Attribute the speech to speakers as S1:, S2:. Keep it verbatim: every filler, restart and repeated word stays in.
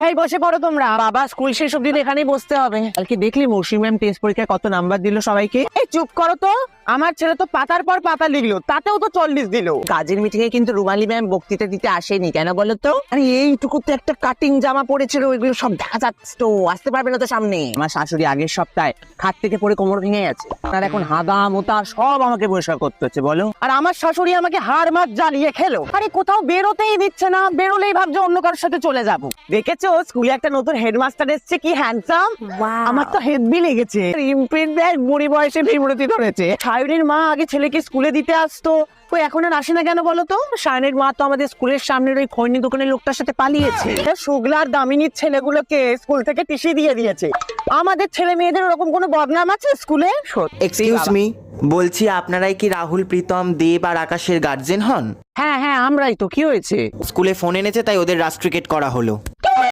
S1: এই বসে পড়ো তোমরা। বাবা স্কুল শেষ অব্দি এখানেই বসতে হবে। কালকে দেখলি মৌসুমী ম্যাম টেস্ট পরীক্ষায় কত নাম্বার দিল সবাইকে? এই চুপ করো তো, আমার ছেলে তো পাতার পর পাতা লিখলো, তাতেও তো চল্লিশ দিল। কাজের মিটিং এ কিন্তু রুমালি ম্যাম বক্তৃতা দিতে আসেনি, কেন বলো তো? আরে এইটুকু তো একটা কাটিং জামা পড়েছিল, ওইগুলো সব দেখা যাচ্ছে তো, আসতে পারবে না তো সামনে। আমার শাশুড়ি আগের সপ্তাহে খাট থেকে পড়ে কোমর ভেঙে গেছে, আর এখন হাদা মোতা সব আমাকে পরিষ্কার করতে হচ্ছে বলো। আর আমার শাশুড়ি আমাকে হাড় মাছ জ্বালিয়ে খেলো। আরে কোথাও বেরোতেই দিচ্ছে না, বেরোলেই ভাবছে অন্য কারোর সাথে চলে যাবো। দেখেছো স্কুলে একটা নতুন হেডমাস্টার এসছে, কি হ্যান্ডসাম। আমার তো হেডবি লেগেছে। ইমপ্রিন্ট ব্যাগ বুড়ি বয়সে বিমূর্তি ধরেছে। সায়নের মা আগে ছেলেকে স্কুলে দিতে আসতো, কই এখন আর আসে না কেন বলো তো? সায়নের মা তো আমাদের স্কুলের সামনের ওই খৈনি দোকানের লোকটার সাথে পালিয়েছে। শুগলার দামিনীর ছেলেগুলোকে স্কুল থেকে টিসি দিয়ে দিয়েছে। আমাদের ছেলে মেয়েদের ওরকম কোনো বদনাম আছে স্কুলে?
S2: এক্সকিউজ মি, বলছি আপনারাই কি রাহুল, প্রীতম, দেব আর আকাশের গার্জেন হন?
S1: হ্যাঁ হ্যাঁ আমরাই তো, কি হয়েছে?
S2: স্কুলে ফোন এনেছে তাই ওদের রাস্ট্রিকেট করা হলো।